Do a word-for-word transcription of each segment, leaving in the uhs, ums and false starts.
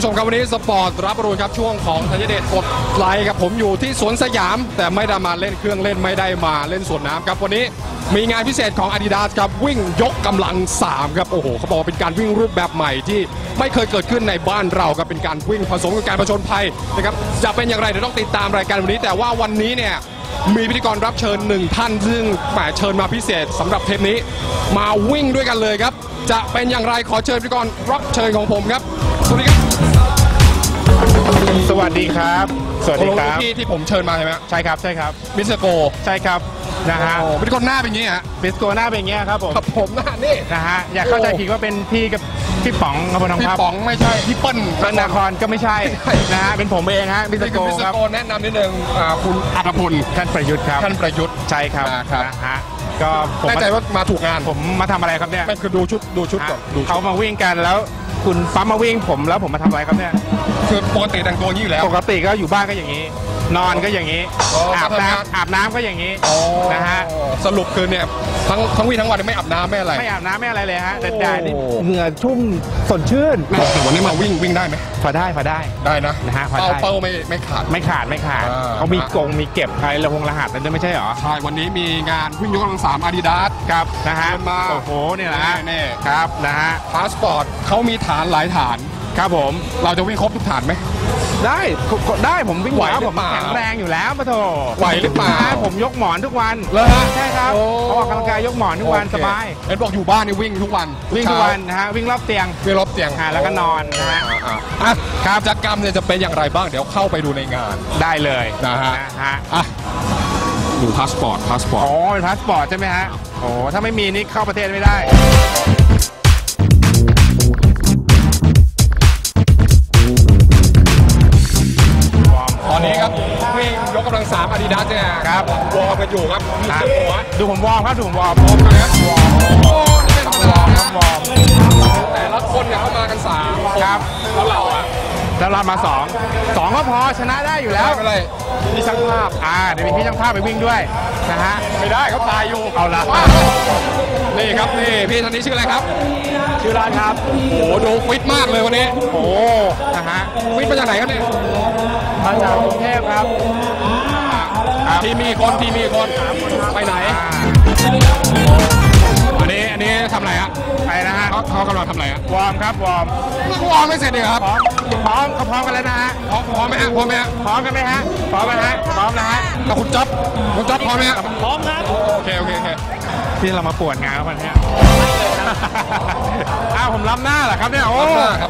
ผู้ชมครับวันนี้สปอร์ตรับรู้ครับช่วงของธัญเดชกดไลค์ครับผมอยู่ที่สวนสยามแต่ไม่ได้มาเล่นเครื่องเล่นไม่ได้มาเล่นสวนน้ำครับวันนี้มีงานพิเศษของ Adidas ครับวิ่งยกกำลังสามครับโอ้โหเขาบอกว่าเป็นการวิ่งรูปแบบใหม่ที่ไม่เคยเกิดขึ้นในบ้านเราครับเป็นการวิ่งผสมกับการผจญภัยนะครับจะเป็นอย่างไรเดี๋ยวต้องติดตามรายการวันนี้แต่ว่าวันนี้เนี่ยมีพิธีกรรับเชิญหนึ่งท่านซึ่งแหมเชิญมาพิเศษสำหรับเทปนี้มาวิ่งด้วยกันเลยครับจะเป็นอย่างไรขอเชิญพิธีกรรับเชิญของผมครับสวัสดีครับสวัสดีครับสวัสดีครับที่ที่ผมเชิญมาใช่ไหมใช่ครับใช่ครับมิสเตอร์โกใช่ครับนะฮะพิธีกรหน้าเป็นอย่างนี้ฮะมิสโกหน้าเป็นอย่างนี้ครับผมครับผมหน้านี่นะฮะอยากเข้าใจผิดว่าเป็นพี่กับพี่ป๋องครับผมพี่ป๋องไม่ใช่พี่เปิ้ลพระนครก็ไม่ใช่นะฮะเป็นผมเองฮะมิสโกครับแนะนำนิดนึงคุณอัฐพลท่านประยุทธ์ครับท่านประยุทธ์ใช่ครับนะฮะก็ผมแน่ใจว่ามาถูกงานผมมาทำอะไรครับเนี่ยไม่คือดูชุดดูชุดก่อนเขามาวิ่งกันแล้วคุณปั๊มมาวิ่งผมแล้วผมมาทำอะไรครับเนี่ยคือปกติแต่งตัวนี้อยู่แล้วปกติก็อยู่บ้านก็อย่างนี้นอนก็อย่างนี้อาบน้ำอาบน้ำก็อย่างนี้นะฮะสรุปคือเนี่ยทั้งทั้งวิ่งทั้งวันไม่อาบน้ำไม่อะไรไม่อาบน้ำไม่อะไรเลยฮะแต่แดดนี่เหงื่อชุ่มสดชื่นแต่วันนี้มาวิ่งวิ่งได้ไหมพอได้พอได้ได้นะนะฮะเป้าเป้าไม่ไม่ขาดไม่ขาดไม่ขาดเขามีกงมีเก็บอะไรระหงรหัสนั่นไม่ใช่หรอใช่วันนี้มีงานวิ่งยกกำลังสาม Adidas ครับนะฮะมาโอ้โหเนี่ยนะนี่ครับนะฮะพาสปอร์ตเขามีฐานหลายฐานครับผมเราจะวิ่งครบทุกฐานไหมได้ได้ผมวิ่งไหวผมแข็งแรงอยู่แล้วปะโถไหวหรือเปล่าผมยกหมอนทุกวันเลยฮะใช่ครับออกกำลังกายยกหมอนทุกวันสบายเอ็นบอกอยู่บ้านนี่วิ่งทุกวันวิ่งทุกวันนะฮะวิ่งรอบเตียงวิ่งรอบเตียงแล้วก็นอนนะฮะครับกิจกรรมเนี่ยจะเป็นอย่างไรบ้างเดี๋ยวเข้าไปดูในงานได้เลยนะฮะอ่ะดูพาสปอร์ตพาสปอร์ตอ๋อเป็นพาสปอร์ตใช่ไหมฮะโอ้ถ้าไม่มีนี่เข้าประเทศไม่ได้ตอนนี้ครับวิ่งยกกำลังสาม Adidas เนี่ยครับวอร์มกันอยู่ครับดูผมวอร์มครับดูผมวอร์มวอร์มนะครับวอร์มโอ้ไม่ธรรมดาครับวอร์มแต่ละคนเนี่ยเข้ามากันสามครับแล้วเราอ่ะแล้วเรามาสองสองก็พอชนะได้อยู่แล้วไม่เลยพี่ช่างภาพอ่าเดี๋ยวมีพี่ช่างภาพไปวิ่งด้วยนะฮะไม่ได้เขาตายอยู่เอาละนี่ครับนี่พี่ท่านนี้ชื่ออะไรครับชื่อร้านครับโอ้โหดูฟิตมากเลยวันนี้โอ้นะฮะฟิตมาจากไหนครับเนี่ยมาจากกรุงเทพครับทีมีคนทีมีคนไปไหนอันนี้อันนี้ทำอะไรฮะไปนะฮะเขาเขากำลังทำอะไรฮะวอร์มครับวอร์มวอร์มไม่เสร็จเลยครับพร้อมเขาพร้อมกันแล้วนะฮะพร้อมพร้อมไหมฮะพร้อมไหมฮะพร้อมกันไหมฮะพร้อมไหมฮะพร้อมนะฮะแล้วคุณจ๊อบคุณจ๊อบพร้อมไหมฮะพร้อมครับโอเคโอเคโอเคที่เรามาปวดงานกันเนี่ยอ้าวผมรับหน้าเหรอครับเนี่ยโอ้ครับ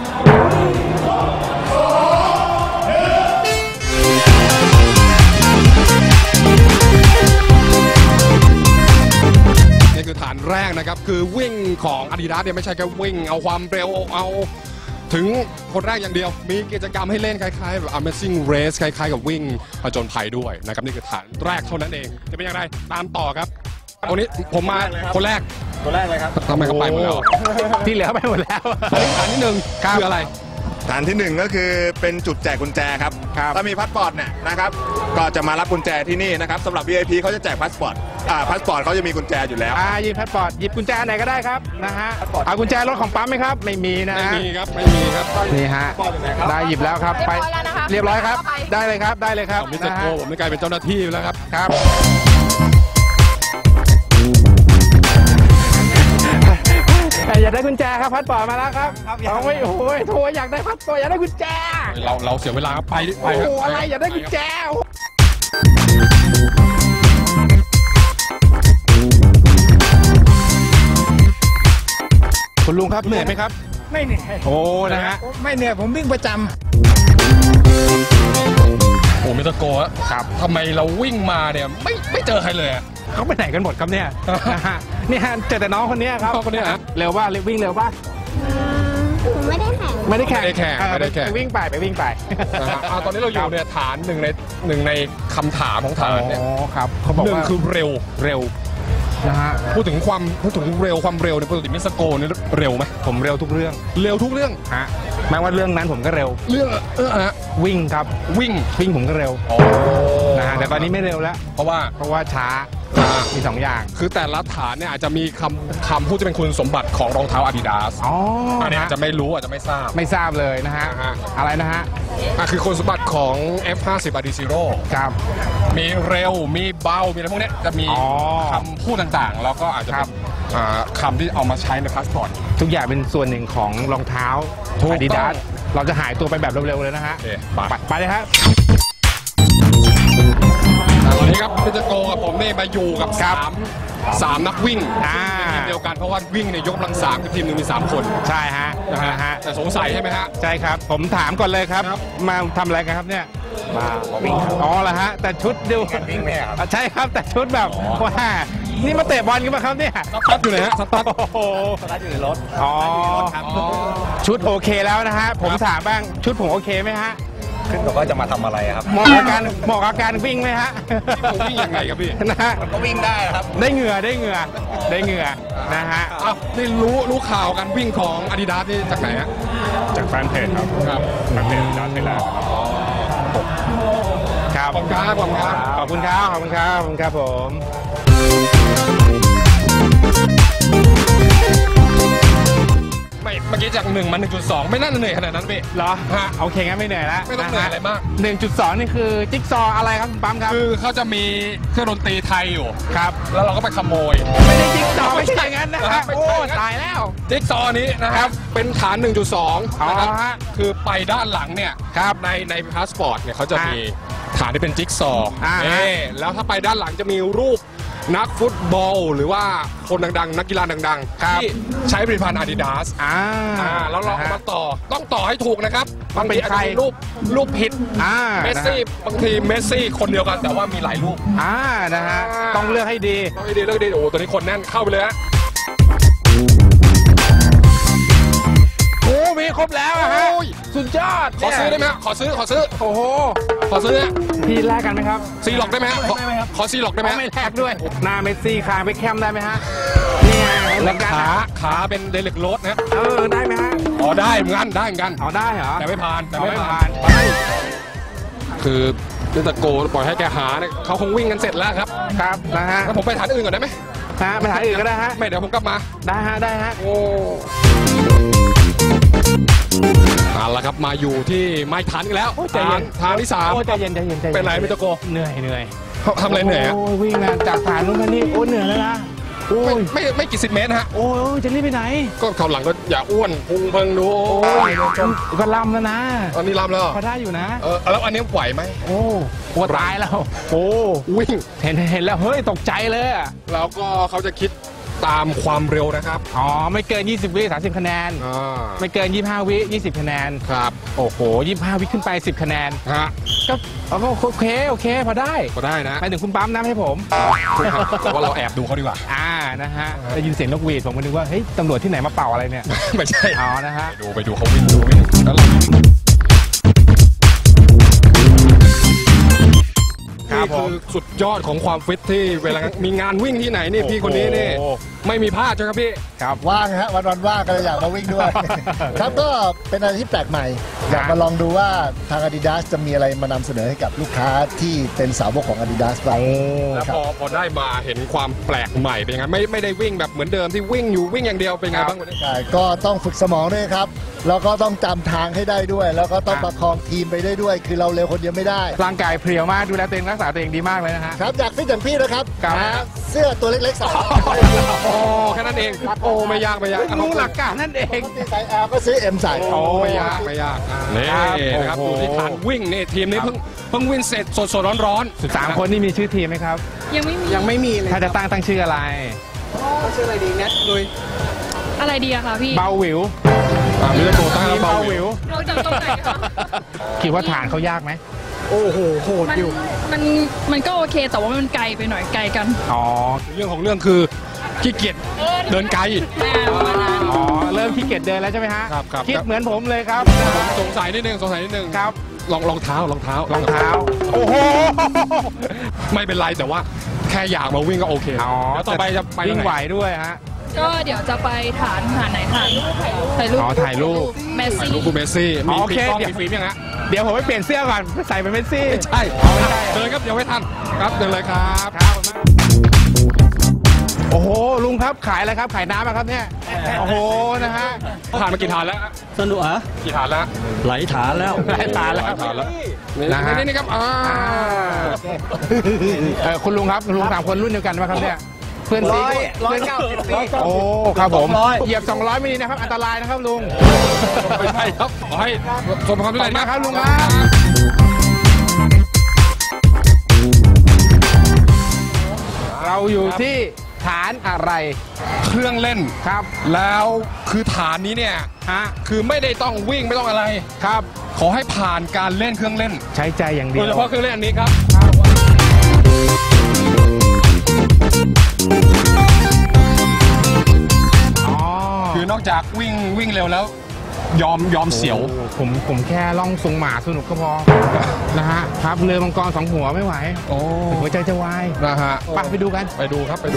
นี่คือฐานแรกนะครับคือวิ่งของ Adidas เนี่ยไม่ใช่แค่วิ่งเอาความเร็วเอาถึงคนแรกอย่างเดียวมีกิจกรรมให้เล่นคล้ายๆแบบ Amazing Race คล้ายๆกับวิ่งผจญภัยด้วยนะครับนี่คือฐานแรกเท่านั้นเองจะเป็นอย่างไรตามต่อครับวันนี้ผมมาคนแรกคนแรกเลยครับทำไมเขาไปหมดแล้วที่เหลือไปหมดแล้วฐานที่หนึ่งคืออะไรฐานที่หนึ่งก็คือเป็นจุดแจกกุญแจครับถ้ามีพาสปอร์ตเนี่ยนะครับก็จะมารับกุญแจที่นี่นะครับสำหรับ วี ไอ พี เขาจะแจกพาสปอร์ตอ่าพาสปอร์ตเขาจะมีกุญแจอยู่แล้วอ่าหยิบพาสปอร์ตหยิบกุญแจไหนก็ได้ครับนะฮะเอากุญแจรถของปั๊มไหมครับไม่มีนะไม่มีครับไม่มีครับนี่ฮะได้หยิบแล้วครับไปเรียบร้อยครับได้เลยครับได้เลยครับมิสเตอร์โกผมไม่กลายเป็นเจ้าหน้าที่แล้วครับครับอยากได้กุญแจครับพาสปอร์ตมาแล้วครับเอาไว้โอ้ยโทรอยากได้พาสปอร์ตอยากได้กุญแจเราเราเสียเวลาไปไปครับโอ้อะไรอยากได้กุญแจคุณลุงครับเหนื่อยไหมครับไม่เหนื่อยโอ้นะฮะไม่เหนื่อยผมวิ่งประจำโอ้มิสเตอร์โกะครับทำไมเราวิ่งมาเนี่ยไม่ไม่เจอใครเลยเขาไปไหนกันหมดครับเนี่ยนี่ฮะเจอแต่น้องคนนี้ครับน้องคนนี้ฮะเร็วป่ะวิ่งเร็วป่ะไม่ได้แข่งไม่ได้แข่งไม่ได้แข่งไม่ได้แข่งไปวิ่งไปไปวิ่งไปตอนนี้เราอยู่เนี่ยฐานหนึ่งในหนึ่งในคำถามของฐานเนี่ยครับเขาบอกหนึ่งคือเร็วเร็วนะฮะพูดถึงความพูดถึงเร็วความเร็วในปกติมิสโกเนี่ยเร็วไหมผมเร็วทุกเรื่องเร็วทุกเรื่องฮะแม้ว่าเรื่องนั้นผมก็เร็วเรื่องเออฮะวิ่งครับวิ่งวิ่งผมก็เร็วนะฮะแต่ตอนนี้ไม่เร็วแล้วเพราะว่าเพราะว่าช้าอ่ามีสองอย่างคือแต่ละฐานเนี่ยอาจจะมีคำคำพูดที่เป็นคุณสมบัติของรองเท้า Adidas อ๋ออันนี้ฮะอาจจะไม่รู้อาจจะไม่ทราบไม่ทราบเลยนะฮะอ่าฮะอะไรนะฮะอ่ะคือคุณสมบัติของ เอฟ ห้าสิบ Adizero ครับมีเร็วมีเบามีอะไรพวกเนี้ยจะมีอ๋อคำพูดต่างๆ แล้วก็อาจจะคเป็รันบอ่าคำที่เอามาใช้ในพาสปอร์ตทุกอย่างเป็นส่วนหนึ่งของรองเท้าถูกต้อง Adidas เราจะหายตัวไปแบบเร็วๆเลยนะฮะโอเคไปไปไปเลยฮะตอนนี้ครับพี่เจโกกับผมนี่มาอยู่กับครัสาบมสามนักวิ่งอ่าทีมเดียวกันเพราะว่าวิ่งในยกกำลังสามคือทีมหนึ่งมีสามคนใช่ฮะนะนะฮะฮะแต่สงสัยใช่ไหมฮะใช่ครับ ผมถามก่อนเลยครับครับมาทำอะไรกันครับเนี่ยมาวิ่งอ๋อเหรอฮะแต่ชุดดูวิ่งไหมครับใช่ครับแต่ชุดแบบว่านี่มาเตะบอลกันมาครับเนี่ยสตั๊ดอยู่ไหนฮะสตั๊ดโอ้โหสตาร์ทอยู่ในรถอ๋อชุดโอเคแล้วนะฮะผมถามบ้างชุดผมโอเคไหมฮะขึ้นบอกว่าจะมาทำอะไรครับเหมาะกับการเหมาะกับการวิ่งไหมฮะผมวิ่งยังไงครับพี่นะฮะก็วิ่งได้นะครับได้เหงื่อได้เหงื่อได้เหงื่อนะฮะอ้าวนี่รู้รู้ข่าวการวิ่งของ Adidas นี่จากไหนฮะจากแฟนเพจครับครับแฟนเพจดันไปแล้วครับขอบคุณครับขอบคุณครับขอบคุณครับขอบคุณครับขอบคุณครับผมไม่เมื่อกี้จากหนึ่งมา หนึ่งจุดสอง ไม่น่าจะเหนื่อยขนาดนั้นพี่เหรอฮะโอเคงั้นไม่เหนื่อยแล้วไม่ต้องเหนื่อยอะไรมากหนึ่งจุดสองนี่คือจิ๊กซอว์อะไรครับคุณปั๊มครับคือเขาจะมีเครื่องดนตรีไทยอยู่ครับแล้วเราก็ไปขโมยไม่ได้จิ๊กซอว์ไม่ใช่อย่างนั้นนะครัฮะบไม่โอ้ใช่อย่างนั้นตายแล้วจิ๊กซอว์นี้นะครับ เป็นฐาน หนึ่งจุดสองอ๋อนะครับฮะคือไปด้านหลังเนี่ยครับในในพาสปอร์ตเนี่ยเขาจะอ่ะมีฐานที่เป็นจิ๊กซอว์อ่าฮะเอ๊แล้วถ้าไปด้านหลังจะมีรูปนักฟุตบอล หรือว่าคนดังๆ นักกีฬาดังๆ ที่ใช้ผลิตภัณฑ์ Adidas อ่าอ่าแล้วเราเอามาต่อต้องต่อให้ถูกนะครับต้บาองงเป็นทีอาจจะมีใครรูปรูปผิดอ่าเมสซี่บางทีเมสซี่คนเดียวกันแต่ว่ามีหลายรูปอ่านะฮะต้องเลือกให้ดีต้องให้ดีเลือกดีโอ้โหตัวนี้คนแน่นเข้าไปเลยฮะโอ้มีครบแล้วอะฮะโอ้ยสุดยอดขอซื้อได้ไหมฮะขอซื้อขอซื้อโอ้โหขอซื้อฮะพี่แลกกันไหมครับซีล็อกได้ไหมฮะขอขอซีล็อกได้ไหมฮะไม่แลกด้วยหน้าเมสซี่คางไปแคมได้ไหมฮะนี่ไงเหมือนกันขาอะขาเป็นเดลิกโรสนะฮะเออได้ไหมฮะอ๋อได้เหมือนกันได้เหมือนกันเอาได้เหรอแต่ไม่ผ่านแต่เอาไม่ไม่ผ่าผ่าน นคือเรื่องตะโกปล่อยให้แกหาเนี่ยเขาคงวิ่งกันเสร็จแล้วครับครับนะฮะแล้วผมไปฐานอื่นก่อนได้ไหมฮะไปหาอื่นก็ได้ฮะไม่เดี๋ยวผมกลับมาได้ฮะได้ฮะโอ้เอาละครับมาอยู่ที่ไม้ฐานอีกแล้วโอ้ใจเย็นฐานที่สามโอ้ใจเย็นใจเย็นใจเย็นเป็นไรไม่ตะโกเหนื่อยเหนื่อยเขาทำอะไรเหนื่อยอะโอ้วิ่งมาจากฐานนู้นมานี่โอ้เหนื่อยแล้วนะโอ้ไม่ยไม่ไม่กี่สิบเมตรนะฮะโอ้ยจะรีบไปไหนก็เขาวหลังก็อย่าอ้วนพุงเพิงดูโอ้ยก็ลำแล้วนะตอนนี้ลำแล้วพอได้อยู่นะเออแล้วอันนี้ไหวไหมโอ้ปวดตายแล้วโอ้วิ่งเห็นเห็นแล้วเฮ้ยตกใจเลยอะแล้วก็เขาจะคิดตามความเร็วนะครับอ๋อไม่เกินยี่สิบวิสามสิบคะแนนอ่าไม่เกินยี่สิบห้าวิยี่สิบคะแนนครับโอ้โหยี่สิบห้าวิขึ้นไปสิบคะแนนฮะก็เอาก็โอเคโอเคพอได้ก็ได้นะไปถึงคุณปั๊มน้ำให้ผมแต่ว่าเราแอบดูเขาดีกว่าอ่านะฮะได้ยินเสียงนกหวีดผมก็นึกว่าเฮ้ยตำรวจที่ไหนมาเป่าอะไรเนี่ยไม่ใช่อ๋อนะฮะไปดูไปดูเขาวิ่งดูวิ่งแล้วเราครับนี่ผมคือสุดยอดของความฟิตที่เวลามีงานวิ่งที่ไหนนี่พี่คนนี้นี่โอ้โหไม่มีพลาดใช่ไหมครับพี่ครับว่างฮะวันวันๆว่างก็เลยอยากมาวิ่งด้วย ครับก็เป็นอะไรที่แปลกใหม่ อยากมาลองดูว่าทาง Adidas จะมีอะไรมานำเสนอให้กับลูกค้าที่เป็นสาวกของ Adidas บ้างแล้วครัพบอพอได้มาเห็นความแปลกใหม่เป็นยังไงไม่ไม่ได้วิ่งแบบเหมือนเดิมที่วิ่งอยู่วิ่งอย่างเดียวเป็นไงบ้างวันนี้ใช่ก็ต้องฝึกสมองด้วยครับ แล้วก็ต้องจำทางให้ได้ด้วย แล้วก็ต้องประคองทีมไปได้ด้วย คือเราเร็วคนเดียวไม่ได้ร่างกายเพรียวมากดูแลตัวเองรักษาตัวเองดีมากเลยนะฮะครับอยากฟิตอย่างพี่นะครับครับหาเสื้อตัวเล็กๆใส่โอ้แค่นั้นเองโอ้ไม่ยากไม่ยากรู้หลักการนั่นเองที่ใส่ L ก็ซื้อ M ใส่โอ้ไม่ยากไม่ยากนี่นะครับโอ้โหดูที่ฐานวิ่งนี่ทีมนี้เพิ่งเพิ่งวิ่งเสร็จสดสดร้อนร้อนๆสามคนนี่มีชื่อทีมไหมครับยังไม่มียังไม่มีเลยถ้าจะตั้งตั้งชื่ออะไรอะไรดีอะคะพี่เบาหวิวอ่ามิลโกตั้งทีมเบาเบาหหวิวิววเราจากตรงไหนคะคิดว่าฐานเขายากไหมมันมันมันก็โอเคแต่ว่ามันไกลไปหน่อยไกลกันอ๋อเรื่องของเรื่องคือขี้เกียจเดินไกลอ่าประมาณนั้นอ๋อเริ่มขี้เกียจเดินแล้วใช่ไหมฮะครับครับคิดเหมือนผมเลยครับสงสัยนิดนึงสงสัยนิดนึงครับรองรองเท้ารองเท้ารองเท้าโอ้โหไม่เป็นไรแต่ว่าแค่อยากมาวิ่งก็โอเคอ๋อแล้วต่อไปจะไปวิ่งทาไหวนด้วยฮะก็เดี๋ยวจะไปฐานฐานไหนฐานถ่ายรูปอ๋อถ่ายรูปเมสซี่ลูกกูเมสซี่อ๋มีอโอฟิเคล์มกล้องเดี๋ยวมีฟิล์มยังฮะเดี๋ยวผมไปเปลี่ยนเสื้อก่อนใส่เป็นเมสซี่ไม่ใช่อ๋อไม่ใช่เดินครับเดี๋ยวไม่ทันครับเดินเลยครับครับโอ้โหลุงครับขายอะไรครับขายน้ำอะครับเนี่ยโอ้โหนะฮะผ่านมากี่ฐานแล้วสนุกเหรอกี่ฐานแล้วไหลฐานแล้วหลายตาแล้วฐานแล้วนะฮะนี่นี่ครับอ่าเออคุณลุงครับคุณลุงสามคนรุ่นเดียวกันไหมครับเนี่ยเพื่อนซีร้อยเก้าสิบปีโอ้ครับผมสองร้อยเหยียบสองร้อยไม่ดีนะครับอันตรายนะครับลุงไม่ใช่ครับขอให้สมความสำขอบเร็จคุณนะมากคครัรับบลุงครับเราอยู่ที่ฐานอะไรเครื่องเล่นครับแล้วคือฐานนี้เนี่ยฮะคือไม่ได้ต้องวิ่งไม่ต้องอะไรครับขอให้ผ่านการเล่นเครื่องเล่นใช้ใจอย่างเดีโดยยว เฉพาะเครื่องเล่นอันนี้ครับอ๋อคือนอกจากวิ่งวิ่งเร็วแล้ว ยอมยอมเสียวผมผมแค่ล่องทรงหมาสนุกก็พอ นะฮะครับเรือมังกรสองหัวไม่ไหวโอ้หัวใจจะวายนะฮะไปไปดูกันไปดูครับไปดู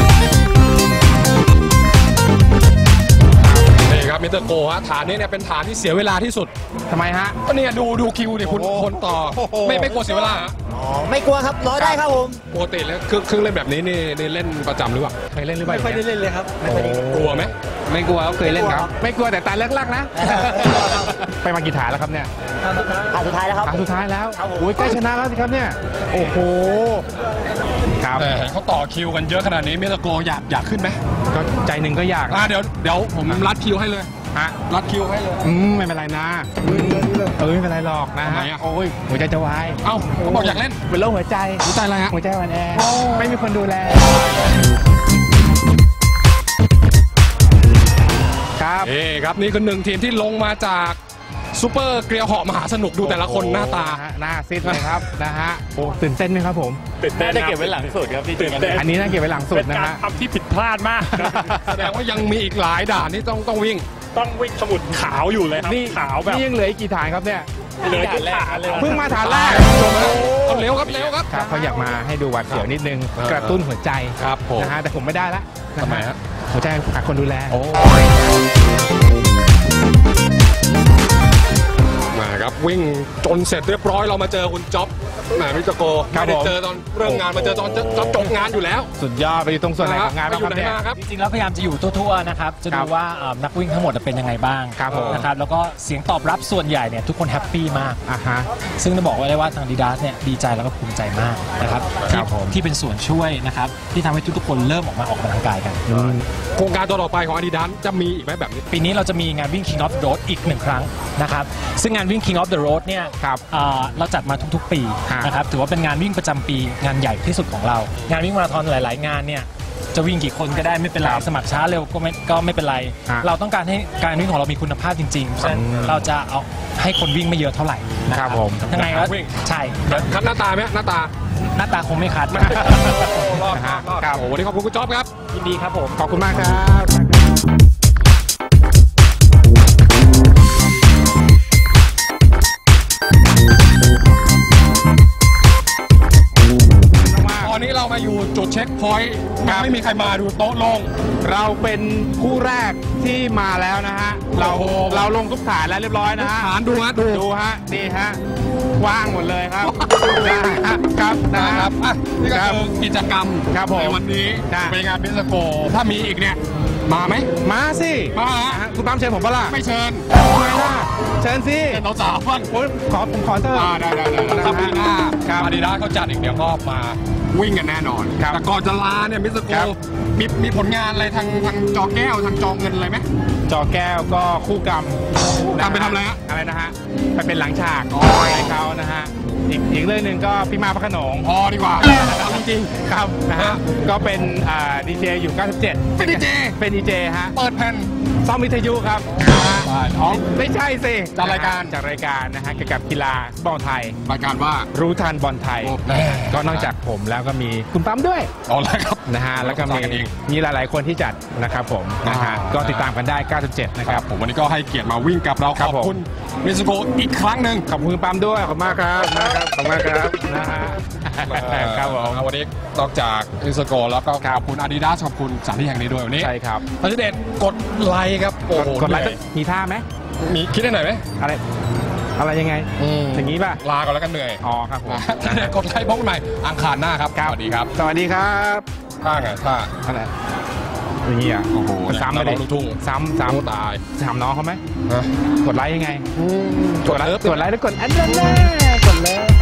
นี่ครับมิสเตอร์โกฮะฐานนี้เนี่ยเป็นฐานที่เสียเวลาที่สุดทำไมฮะก็เนี่ยดูดูคิวดิคุณโอ้โหคนต่อ ไม่ไม่กลัวเสียเวลาฮะไม่กลัวครับร้อยได้ครับผมปกติแล้วเครื่องเครื่องเล่นแบบนี้นี่นี่เล่นประจำหรือเปล่าเคยเล่นหรือเปล่าไม่ค่อยได้เล่นเลยครับไม่ค่อยได้เล่นกลัวไหมไม่กลัวครับเคยเล่นครับ ไม่กลัวแต่ตาเลิกลักนะ ไปมากี่ฐานแล้วครับเนี่ยผ่านสุดท้ายแล้วครับฐานสุดท้ายแล้วโอ้ยใกล้ชนะแล้วสิครับเนี่ย โอ้โห ครับแต่เขาต่อคิวกันเยอะขนาดนี้มิสเตอร์โกอยากอยากขึ้นไหมก็ใจหนึ่งก็อยากอ่าเดี๋ยวเดี๋ยวผมรัดคิวให้เลยฮะรัดคิวให้เลยอืมไม่เป็นไรนะเออไม่เป็นไรหรอกนะทำฮะไมอะโอ้ยหัวใจจะวายเอ้าเขาบอกอยากเล่นเป็นโรคหัวใจหัวใจอะไรฮะหัวใจอ่อนแอไม่มีคนดูแล ครับเอ้ครับนี่คือหนึ่งทีมที่ลงมาจากซูเปอร์เกลียวเหาะมหาสนุกดูแต่ละคนหน้าตาหน้าซิดเลยครับ นะฮะโอ้ตื่นเต้นไหมครับผมน่าจะเก็บไว้หลังสุดครับพี่ตื่นเต้นอันนี้น่าเก็บไว้หลังสุดเป็นนะการฮะทำที่ผิดพลาดมากแสดงว่ายังมีอีกหลายด่านที่ต้องต้องวิ่งต้องวิ่งสมุดขาวอยู่เลยครับนี่ขาวแบบนี่ยังเหลืออีกกี่ฐานครับเนี่ยเหลือจุดฐานเลยเพิ่งมาฐานแรกเอาเร็วครับเร็วครับครับเขาอยากมาให้ดูหวัดเสียวนิดนึงเออกระตุ้นหัวใจครับผมนะฮะแต่ผมไม่ได้ละนทำไมฮะหัวใจขาดคนดูแลโอ้มาครับวิ่งจนเสร็จเรียบร้อยเรามาเจอคุณจ๊อบแหมมิสเตอร์โกครับไม่ได้ผมเจอตอนเริ่มงานมาเจอตอนจะจะจบงานอยู่แล้วสุดยอดไปอยู่ตรงส่วนไหนของงานไปบ้างอคยู่รับไหนเนี่ยมาครับจริงๆแล้วพยายามจะอยู่ทั่วๆนะครับ จะครัดูบว่าเอ่อนักวิ่งทั้งหมดเป็นยังไงบ้างครับผมนะครับ แล้วก็เสียงตอบรับส่วนใหญ่เนี่ยทุกคนแฮปปี้มากอ่ะฮะซึ่งจะบอกไว้เลยว่าทางดีดาสเนี่ยดีใจแล้วก็ภูมิใจมากนะครับครัที่บผมที่เป็นส่วนช่วยนะครับที่ทำให้ทุกๆคนเริ่มออกมาออกกำลังกายกันโครงการตัวต่อไปของ Adidas จะมีอีกไหมแบบนี้ปีนี้เราจะมีงานวิ่ง King of the Road อีกหนึ่งครั้งนะครับ ซึ่งงานวิ่ง King of the Road เนี่ยครับเอ่อเราจัดมาทุกๆ ปีฮะนะครับ ถือว่าเป็นงานวิ่งประจำปีงานใหญ่ที่สุดของเรา งานวิ่งมาราธอนหลายๆ งานเนี่ยจะวิ่งกี่คนก็ได้ไม่เป็นไรครับสมัครช้าเร็วก็ไม่ก็ไม่เป็นไรฮะเราต้องการให้การวิ่งของเรามีคุณภาพจริงๆฉะนั้นอืมเราจะเอาให้คนวิ่งไม่เยอะเท่าไหร่นะคครัรับบผมยังไงก็วิ่งใช่คัดหน้าตาไหมหน้าตาหน้าตาคงไม่คัดรอดนะรอฮะดรอดครับโอ้โหวันนี้ขอบคุณคุณจ๊อบครับยินดีครับผมขอบคุณมากครับตอนนี้เรามาอยู่จุดเช็คพอยต์ยังไม่มีใครมาดูโต๊ะโลงเราเป็นคู่แรกที่มาแล้วนะฮะ เราโอ้โหเราลงทุกฐานแล้วเรียบร้อยนะฮะฐานดูฮะดูดูฮะนี่ฮะว่างหมดเลยครับ นะฮะครับนะนะคครัรับบ อ่ะนี่ก็ครับคือกิจกรรมครับผมในวันนี้จ้ะเป็นงานบิสโกถ้ามีอีกเนี่ยมาไหมมาสิมาฮะฮะคุณตั้มเชิญผมปะล่ะไม่เชิญทำไมล่ะเชิญสิเชิญเราสาวบ้างผมขอผมขอเถอะอ่าได้ได้ได้ถ้าปีหน้าครับอาดิดาสเขาจัดอีกเดี๋ยวก็มาวิ่งกันแน่นอนครับแต่ก่อนจะลาเนี่ยมิสโกครับมีมีผลงานอะไรทางทางจอแก้วทางจอเงินอะไรไหมจอแก้วก็คู่กรรมกรรมไปทำอะไรฮะอะไรนะฮะไปเป็นหลังฉากอ๋อให้เขานะฮะอีกอีกเรื่องหนึ่งก็พี่มาพระโขนงพอดีกว่าเอาจริงครับนะฮะก็เป็นอ่าดีเจอยู่เก้าสิบเจ็ดเป็นดีเจเป็นดีเจฮะๆเปิดแผ่นซ่อมวิทยุครับนะฮะได้อ๋อไม่ใช่สิจัดรายการจัดรายการนะฮะเกี่ยวกับกีฬาบอลไทยรายการว่ารู้ทันบอลไทยโอ้แน่ก็นอกจากผมแล้วก็มีคุณปั๊มด้วยเอาละครับนะฮะแล้วก็มีจัดกันเองมีหลายๆคนที่จัดนะครับผมนะฮะอ่าก็ติดตามกันได้เก้าสิบเจ็ดนะคครัรับบ ผมวันนี้ก็ให้เกียรติมาวิ่งกับเราครัขบอบคุณมิสโกอีกครั้งหนึ่งขอบคุณคุณปั๊มด้วยขอบคุณมากครับขอบคุณมากครับนะฮะครับผมวันนี้นอกจากมิสโกแล้วก็ขอบคุณอาดิดาสขอบคุณสถานที่แห่งนี้ด้วยวันนี้ใช่ครับทันเดชกดไลค์ครับโอ้โหกดไลค์เหนื่อยมีท่าไหมมีคิดได้หน่อยไหมอะไร อะไรยังไง อย่างนี้ป่ะลาก่อนแล้วกันเหนื่อยอ๋อครับผมทันเดชกดไลค์พบกันใหม่อังคารหน้าครับสวัสดีครับสวัสดีครับท่าไงท่าอะไรอย่างนี้อ่ะโอ้โหซ้ำไปเลยลูกทุ่งซ้ำซ้ำตายถามน้องเขาไหมฮะกดไลค์ยังไงกดเลิฟกดไลค์แล้วกดอันนั้นแน่กดเลิฟ